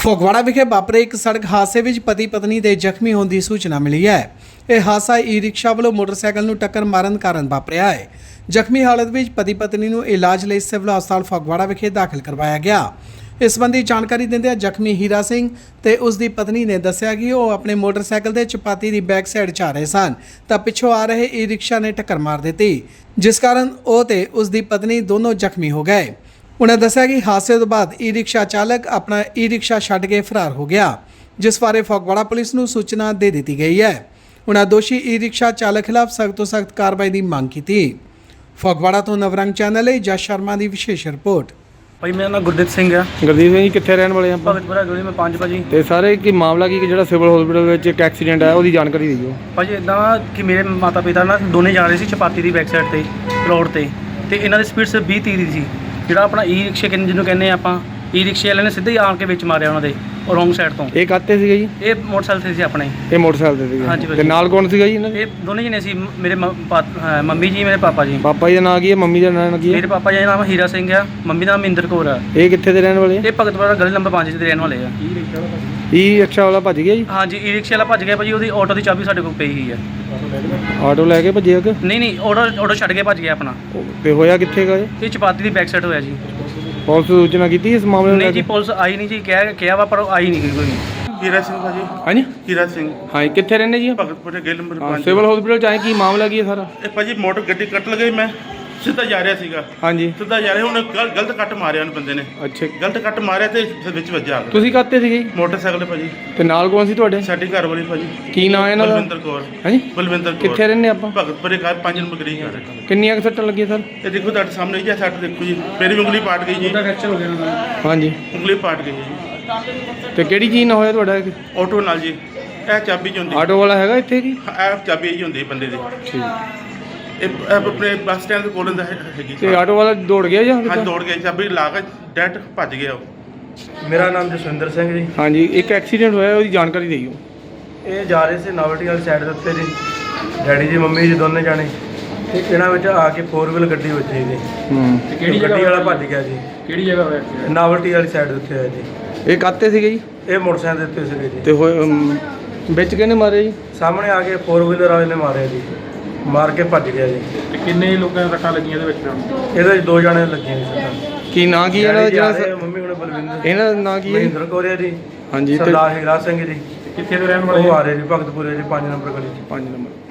ਫਗਵਾੜਾ ਵਿਖੇ ਵਾਪਰੇ ਇੱਕ ਸੜਕ ਹਾਦਸੇ ਵਿੱਚ ਪਤੀ ਪਤਨੀ ਦੇ ਜ਼ਖਮੀ ਹੋਣ ਦੀ ਸੂਚਨਾ ਮਿਲੀ ਹੈ। ਇਹ ਹਾਦਸਾ ਈ-ਰਿਕਸ਼ਾ ਵੱਲੋਂ ਮੋਟਰਸਾਈਕਲ ਨੂੰ ਟੱਕਰ ਮਾਰਨ ਕਾਰਨ ਵਾਪਰਿਆ ਹੈ। ਜ਼ਖਮੀ ਹਾਲਤ ਵਿੱਚ ਪਤੀ ਪਤਨੀ ਨੂੰ ਇਲਾਜ ਲਈ ਸਿਵਲ ਹਸਪਤਾਲ ਫਗਵਾੜਾ ਵਿਖੇ ਦਾਖਲ ਕਰਵਾਇਆ ਗਿਆ। ਇਸ ਸੰਬੰਧੀ ਜਾਣਕਾਰੀ ਦਿੰਦਿਆਂ ਜ਼ਖਮੀ ਹੀਰਾ ਸਿੰਘ ਤੇ ਉਸ ਦੀ ਪਤਨੀ ਨੇ ਦੱਸਿਆ ਕਿ ਉਹ ਆਪਣੇ ਮੋਟਰਸਾਈਕਲ ਦੇ ਚਪਾਤੀ ਦੀ ਬੈਕ ਸਾਈਡ 'ਚ ਆ ਰਹੇ ਸਨ ਤਾਂ ਪਿੱਛੋਂ ਆ ਰਹੇ ਈ-ਰਿਕਸ਼ਾ ਨੇ ਟੱਕਰ ਮਾਰ ਦਿੱਤੀ, ਜਿਸ ਕਾਰਨ ਉਹ ਤੇ ਉਸ ਦੀ ਪਤਨੀ ਦੋਨੋਂ ਜ਼ਖਮੀ ਹੋ ਗਏ। उन्हें दस्या कि हादसे तो बाद ई-रिक्शा चालक अपना ई-रिक्शा छड्ड के फरार हो गया, जिस बारे फगवाड़ा पुलिस नूं सूचना दे दी गई है। उन्हें दोषी ई-रिक्शा चालक खिलाफ सख्त तो सख्त कार्रवाई की मांग की थी। फगवाड़ा तो नवरंग चैनल है जस शर्मा की विशेष रिपोर्ट। भाई मेरा नाम गुरदीप सिंह है। गुरदीप सिंह जी कित्थे रहने वाले हैं? भगतपुरा गली में 5 भाजी। ते सारे की मामला की ਜਿਹੜਾ ਸਿਵਲ ਹਸਪੀਟਲ ਵਿੱਚ ਇੱਕ ਐਕਸੀਡੈਂਟ ਹੈ ਉਹਦੀ ਜਾਣਕਾਰੀ ਦਿਓ। ਭਾਜੀ ਇਦਾਂ ਕਿ ਮੇਰੇ ਮਾਤਾ ਪਿਤਾ ਨਾ ਦੋਨੇ ਜਾ ਰਹੇ ਸੀ ਚਪਾਤੀ ਦੀ ਬੈਕ ਸਾਈਡ ਤੇ ਰੋਡ ਤੇ ਇਹਨਾਂ ਦੀ ਸਪੀਡ ਸਿਰਫ 20-30 ਦੀ ਸੀ। ਜਿਹੜਾ ਆਪਣਾ ਈ-ਰਿਕਸ਼ਾ ਜਿਹਨੂੰ ਕਹਿੰਦੇ ਆਪਾਂ ਈ-ਰਿਕਸ਼ੇ ਵਾਲੇ ਨੇ ਸਿੱਧਾ ਹੀ ਆਣ ਕੇ ਵਿੱਚ ਮਾਰਿਆ ਉਹਨਾਂ ਦੇ ਰੋਂਗ ਸਾਈਡ ਤੋਂ। ਇਹ ਕਾਤੇ ਸੀਗੇ ਜੀ? ਇਹ ਮੋਟਰਸਾਈਕਲ ਤੇ ਸੀ ਆਪਣੇ। ਇਹ ਮੋਟਰਸਾਈਕਲ ਤੇ ਸੀਗੇ? ਹਾਂਜੀ। ਤੇ ਨਾਲ ਕੌਣ ਸੀਗਾ ਜੀ ਇਹਨਾਂ ਦੇ? ਇਹ ਦੋਨੇ ਜਣੇ ਸੀ, ਮੇਰੇ ਮੰਮੀ ਜੀ, ਮੇਰੇ ਪਾਪਾ ਜੀ। ਪਾਪਾ ਜੀ ਦਾ ਨਾਂ ਕੀ ਹੈ? ਮੰਮੀ ਦਾ ਨਾਂ ਕੀ ਹੈ? ਮੇਰੇ ਪਾਪਾ ਜੀ ਦਾ ਨਾਮ ਹੀਰਾ ਸਿੰਘ ਆ, ਮੰਮੀ ਦਾ ਨਾਮ ਮਹਿੰਦਰ ਕੌਰ ਆ। ਇਹ ਕਿੱਥੇ ਦੇ ਰਹਿਣ ਵਾਲੇ ਆ? ਇਹ ਭਗਤਪੁਰਾ ਗਲੀ ਨੰਬਰ 5 ਦੇ ਰਹਿਣ ਵਾਲੇ ਆ। ਈ-ਰਿਕਸ਼ਾ ਵਾਲਾ ਭੱਜ ਗਿਆ ਜੀ? ਹਾਂਜੀ, ਈ-ਰਿਕਸ਼ੇ ਵਾਲਾ ਭੱਜ ਗਿਆ ਭਾਜੀ, ਉਹਦੀ ਆਟੋ ਦੀ ਚਾਬੀ ਸਾਡੇ ਕੋਲ ਪਈ ਹੋਈ ਆ। ਆਟੋ ਲੈ ਕੇ ਭੱਜਿਆ ਕਿ ਨਹੀਂ ਆਟੋ ਛੱਡ ਕੇ ਭੱਜ ਗਿਆ ਆਪਣਾ। ਤੇ ਹੋਇਆ ਕਿੱਥੇ ਗਾ ਇਹ ਚਪਾਤੀ ਦੀ ਬੈਕ ਸਾਈਡ ਹੋਇਆ ਜੀ। ਪੁਲਿਸ ਸੂਚਨਾ ਕੀਤੀ ਇਸ ਮਾਮਲੇ ਨੂੰ? ਨਹੀਂ ਜੀ, ਪੁਲਿਸ ਆਈ ਨਹੀਂ ਜੀ, ਕਿਹਾ ਵਾ ਪਰ ਉਹ ਆਈ ਨਹੀਂ ਕੋਈ। ਹੀਰਾ ਸਿੰਘ ਭਾਜੀ। ਹਾਂਜੀ ਹੀਰਾ ਸਿੰਘ। ਹਾਂ, ਕਿੱਥੇ ਰਹਿੰਦੇ ਜੀ? ਭਗਤਪੁਰੇ ਗੇਲ ਨੰਬਰ 5 ਸਿਵਲ ਹਸਪੀਟਲ ਚ ਆਏ, ਕੀ ਮਾਮਲਾ ਕੀ ਹੈ ਸਾਰਾ? ਇਹ ਭਾਜੀ ਮੋਟਰ ਗੱਡੀ ਕੱਟ ਲਗਈ, ਮੈਂ ਸਿੱਧਾ ਜਾ ਰਿਹਾ ਸੀਗਾ। ਹਾਂਜੀ। ਸਿੱਧਾ ਜਾ ਰਿਹਾ, ਉਹਨੇ ਗਲਤ ਕੱਟ ਮਾਰਿਆ ਉਹਨੇ ਬੰਦੇ ਨੇ। ਅੱਛਾ, ਗਲਤ ਕੱਟ ਮਾਰਿਆ ਤੇ ਫਿਰ ਵਿੱਚ ਵੱਜਾ ਆ ਗਿਆ। ਤੁਸੀਂ ਕਾਤੇ ਸੀਗੇ ਜੀ? ਮੋਟਰਸਾਈਕਲ ਤੇ ਭਾਜੀ। ਤੇ ਨਾਲ ਕੌਣ ਸੀ ਤੁਹਾਡੇ? ਸਾਡੀ ਘਰ ਵਾਲੀ ਭਾਜੀ। ਕੀ ਨਾਂ ਹੈ ਇਹਨਾਂ ਦਾ? ਬਲਵਿੰਦਰ ਕੌਰ। ਹਾਂਜੀ, ਬਲਵਿੰਦਰ ਕੌਰ। ਕਿੱਥੇ ਰਹਿੰਦੇ ਆਪਾਂ? ਭਗਤਪੁਰੇ ਘਰ 5 ਨੰਬਰ ਗਲੀ ਘਰ। ਕਿੰਨੀਆਂ ਕੁ ਸੱਟਾਂ ਲੱਗੀਆਂ ਸਰ? ਇਹ ਦੇਖੋ ਤੁਹਾਡੇ ਸਾਹਮਣੇ ਹੀ ਆ ਸੱਟ, ਦੇਖੋ ਜੀ ਮੇਰੀ ਉਂਗਲੀ ਪਾਟ ਗਈ ਜੀ। ਹਾਂਜੀ, ਉਂਗਲੀ ਪਾਟ ਗਈ ਜੀ। ਤੇ ਕਿਹੜੀ ਚੀਜ਼ ਨਾਲ ਹੋਇਆ ਤੁਹਾਡਾ? ਆਟੋ ਨਾਲ ਜੀ। ਇਹ ਚਾਬੀ ਚ ਹੁੰਦੀ। ਆਟੋ ਵਾਲਾ ਹੈਗਾ ਇੱਥੇ ਕੀ? ਇਹ ਚਾਬੀ ਹੀ ਹੁੰਦੀ ਬੰਦੇ ਦੀ। ਠੀਕ। ਇਹ ਆਪਣੇ ਬੱਸ ਸਟੈਂਡ ਦੇ ਕੋਲ ਹੈਗੀ। ਤੇ ਆਟੋ ਵਾਲਾ ਦੌੜ ਗਿਆ ਜਾਂ? ਹਾਂ, ਦੌੜ ਗਿਆ, ਚਾਬੀ ਲਾ ਕੇ ਡੈਟ ਭੱਜ ਗਿਆ ਉਹ। ਮੇਰਾ ਨਾਮ ਜਸਵਿੰਦਰ ਸਿੰਘ ਜੀ। ਹਾਂਜੀ, ਇੱਕ ਐਕਸੀਡੈਂਟ ਹੋਇਆ, ਉਹਦੀ ਜਾਣਕਾਰੀ ਦਿਓ। ਇਹ ਜਾ ਰਹੇ ਸੀ ਨਾਵਲਟੀ ਵਾਲੀ ਸਾਈਡ ਦੇ ਉੱਤੇ ਜੀ, ਡੈਡੀ ਜੀ ਮੰਮੀ ਜੀ ਦੋਨੇ ਜਾਣੇ, ਤੇ ਇਹਨਾਂ ਵਿੱਚ ਆ ਕੇ 4 ਵੀਲ ਗੱਡੀ ਵੱਜੀ ਜੀ। ਤੇ ਕਿਹੜੀ ਗੱਡੀ ਵਾਲਾ ਭੱਜ ਗਿਆ ਜੀ? ਕਿਹੜੀ ਜਗ੍ਹਾ ਹੋਇਆ? ਨਾਵਲਟੀ ਵਾਲੀ ਸਾਈਡ ਦੇ ਉੱਤੇ ਹੈ ਜੀ। ਇਹ ਕਾਤੇ ਸੀਗੇ ਜੀ? ਇਹ ਮੋਟਰਸਾਈਕਲ ਦੇ ਉੱਤੇ ਸੀਗੇ ਜੀ। ਤੇ ਵਿੱਚ ਕਿਹਨੇ ਮਾਰਿਆ ਜੀ? ਸਾਹਮਣੇ ਆ ਕੇ 4 ਵੀਲਰ ਵਾਲੇ ਨੇ ਮਾਰਿਆ ਜੀ, ਮਾਰ ਕੇ ਭੱਜ ਗਿਆ ਜੀ। ਤੇ ਕਿੰਨੇ ਲੋਕਾਂ ਦੀਆਂ ਸੱਟਾਂ ਲੱਗੀਆਂ ਇਹਦੇ ਵਿੱਚ? ਇਹਦੇ 'ਚ 2 ਜਾਣੇ ਲੱਗੀਆਂ ਜੀ ਸੱਟਾਂ। ਕੀ ਨਾਂ ਕੀ ਇਹਨਾਂ ਦਾ? ਜਿਹੜਾ ਮੰਮੀ ਹੁਣ ਬਲਵਿੰਦਰ, ਇਹਨਾਂ ਦਾ ਨਾਂ ਕੀ ਹੈ? ਮਹਿੰਦਰ ਕੌਰ ਹੈ ਜੀ। ਹਾਂਜੀ। ਸਰਦਾਰ ਹੀਰਾ ਸਿੰਘ ਜੀ। ਕਿੱਥੇ ਦੇ ਰਹਿਣ ਉਹ ਆ ਰਹੇ ਜੀ ਭਗਤਪੁਰੇ ਜੀ 5 ਨੰਬਰ ਗਲੀ 'ਚ। 5 ਨੰਬਰ।